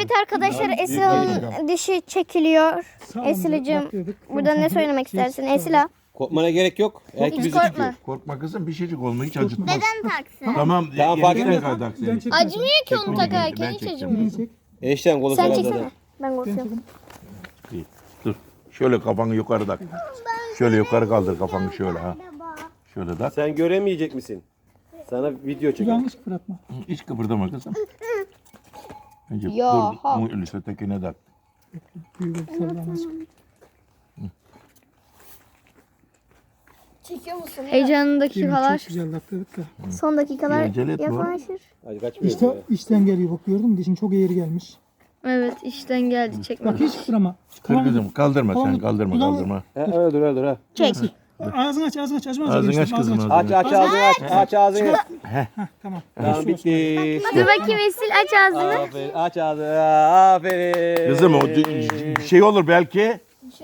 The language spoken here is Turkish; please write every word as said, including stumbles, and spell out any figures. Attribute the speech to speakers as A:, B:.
A: Evet arkadaşlar, Esila'nın dişi çekiliyor. Esila'cığım burada ne söylemek istersin Esila?
B: Korkmana gerek yok. Belki
A: Hiç
B: bizi
A: korkma.
B: tutuyor.
C: Korkma kızım, bir şeycik olma, hiç acıtmaz.
A: Neden taksın?
C: Tamam,
B: Tamam, fark
C: yeniden
B: etmez.
C: kaldık seni.
A: Acımıyor ki onu
C: Ben
A: takarken, hiç
C: çekeceğim.
A: acımıyor.
B: Enişten kolu
A: Sen
B: sana
A: çeksene.
B: zaten.
A: Ben korkuyorum.
C: İyi, dur. Şöyle kafanı yukarı tak. Şöyle yukarı kaldır kafanı şöyle ha. Şöyle tak.
B: Sen göremeyecek misin? Sana video çekelim.
D: Yanlış bırakma.
C: Hiç kıpırdama kızım. Önce
A: Ya,
C: dur,
A: ha.
C: bu öyleyse tekine tak.
D: Büyük bir sallanmış.
A: Çekiyor musun?
E: Heyecanlı
D: Yemin
E: dakikalar.
D: çok güzel taktırdık da.
A: Son dakikalar
C: Acele etme oğlum.
A: yaklaşır.
B: Hadi kaçmıyoruz
D: İşte
B: ya.
D: içten geliyor bak, gördün mü? Dişin çok eğri gelmiş.
E: Evet, işten geldi çekme.
D: Bak hiç kıpırama.
C: Kır kızım, kaldırma sen,
D: Tamam.
C: kaldırma,
D: Tamam.
C: kaldırma.
B: Ha, öyle dur öyle dur ha.
A: Çek.
D: Ağzını aç, ağzını aç. Açma
C: Ağzını aç kızım, ağzını
B: Aç aç ağzını aç. Aç ağzını.
D: Tamam.
B: Tamam bitti.
E: Dur bakayım Esil, aç ağzını.
B: Aferin. Aç ağzını. Aferin.
C: Kızım o d- şey olur belki.